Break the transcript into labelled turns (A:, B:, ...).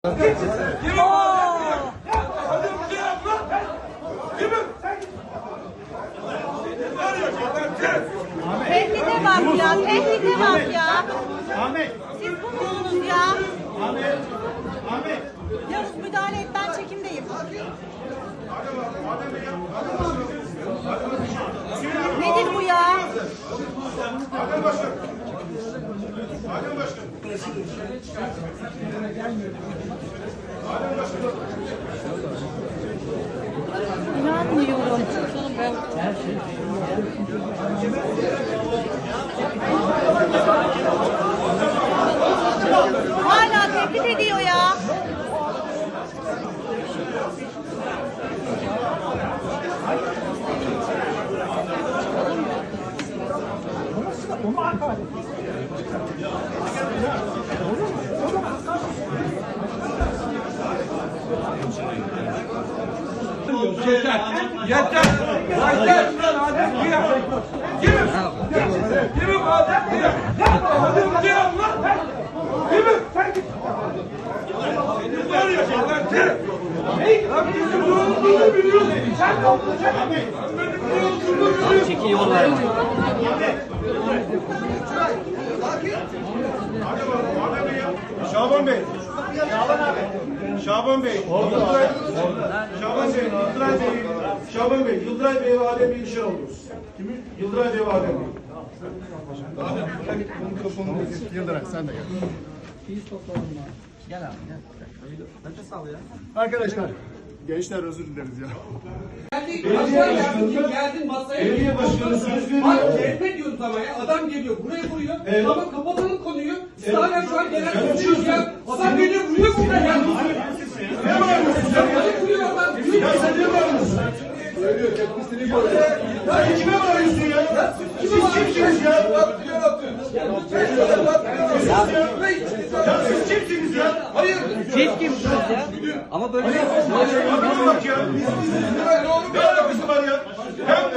A: Tehdide bak ya, tehdide bak ya.
B: Ahmet.
A: Siz bu musunuz ya?
B: Ahmet. Ahmet.
A: Yavuz müdahale et, ben çekimdeyim. Nedir bu ya?
C: Adem Başkan. Adem Başkan. Adem Başkan.
A: İnanmıyorum. Hala tehdit ediyor ya.
D: Yeter! Yeter! Yeter! Kimim? Kimim Adem diye? Adem diye lan! Kimim? Sen git! Var ya lan kim? Lan bizim ne olduğunu biliyorsun. Sen ne olduğunu benim ne olduğunu biliyorsun.
E: Çekil yollar.
C: Şaban Bey. Şaban Bey. Şaban Bey. Yıldıray Bey. Şaban Bey. Yıldıray Bey ve Adem Bey işe alıyoruz. Kimi? Yıldıray Bey ve Adem Bey.
B: Yıldıray sen de gel.
E: Gel abi gel. Nefes al ya.
B: Arkadaşlar. Gençler özür dileriz ya.
F: Geldin masaya.
C: Belediye başkanı söz veriyor.
F: Bak CHP diyoruz ama ya. Adam geliyor buraya vuruyor.
C: Evet.
F: Ama kapatalım konuyu. Siz hala şu an genel konuşuyoruz ya. Adam geliyor vuruyor burada ya.
C: Ne bağırıyorsun sen ya?
F: Hadi vuruyor adam.
C: Ya sen ne bağırıyorsun? Söylüyor tepkisini görüyor. Ya kime bağırıyorsun ya? Siz kimsiniz ya? Ya siz kimsiniz ya?
F: Hayır.
E: Siz kimsiniz ya? Ama böyle
C: Bak ya. Ne alakası var ya?